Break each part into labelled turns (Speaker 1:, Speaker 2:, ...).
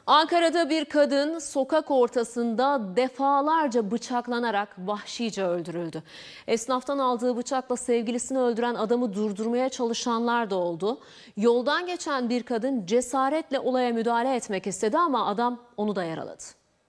Speaker 1: Ankara'da bir kadın sokak ortasında defalarca bıçaklanarak vahşice öldürüldü. Esnaftan aldığı bıçakla sevgilisini öldüren adamı durdurmaya çalışanlar da oldu. Yoldan geçen bir kadın cesaretle olaya müdahale etmek istedi ama adam onu da yaraladı.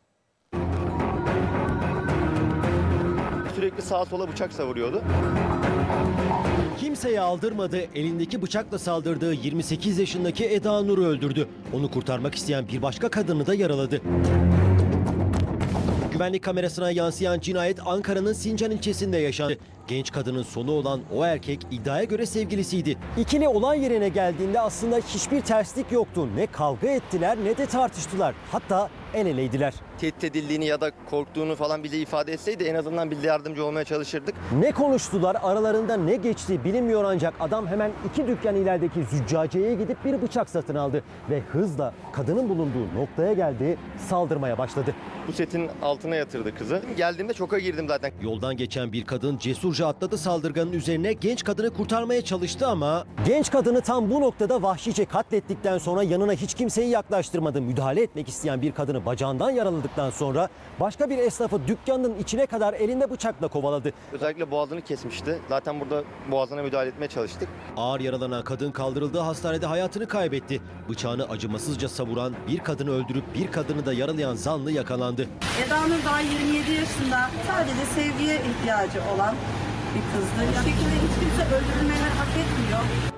Speaker 2: Sürekli sağa sola bıçak savuruyordu.
Speaker 3: Kimseye aldırmadı, elindeki bıçakla saldırdığı 28 yaşındaki Eda Nur'u öldürdü. Onu kurtarmak isteyen bir başka kadını da yaraladı. Güvenlik kamerasına yansıyan cinayet Ankara'nın Sincan ilçesinde yaşandı. Genç kadının sonu olan o erkek iddiaya göre sevgilisiydi. İkili olay yerine geldiğinde aslında hiçbir terslik yoktu. Ne kavga ettiler ne de tartıştılar. Hatta el eleydiler.
Speaker 2: Tehdit edildiğini ya da korktuğunu falan bize ifade etseydi en azından biz de yardımcı olmaya çalışırdık.
Speaker 3: Ne konuştular, aralarında ne geçti bilinmiyor ancak adam hemen 2 dükkan ilerideki züccaciyeye gidip bir bıçak satın aldı. Ve hızla kadının bulunduğu noktaya geldi, saldırmaya başladı.
Speaker 2: Bu setin altına yatırdı kızı. Geldiğimde şoka girdim zaten.
Speaker 3: Yoldan geçen bir kadın cesurca atladı saldırganın üzerine, genç kadını kurtarmaya çalıştı ama... Genç kadını tam bu noktada vahşice katlettikten sonra yanına hiç kimseyi yaklaştırmadı. Müdahale etmek isteyen bir kadını bacağından yaraladıktan sonra başka bir esnafı dükkanın içine kadar elinde bıçakla kovaladı.
Speaker 2: Özellikle boğazını kesmişti. Zaten burada boğazına müdahale etmeye çalıştık.
Speaker 3: Ağır yaralanan kadın kaldırıldığı hastanede hayatını kaybetti. Bıçağını acımasızca savuran, bir kadını öldürüp bir kadını da yaralayan zanlı yakalandı.
Speaker 4: Eda Nur daha 27 yaşında, sadece sevgiye ihtiyacı olan bir kızdı. Bu şekilde hiç kimse öldürülmeyi hak etmiyor.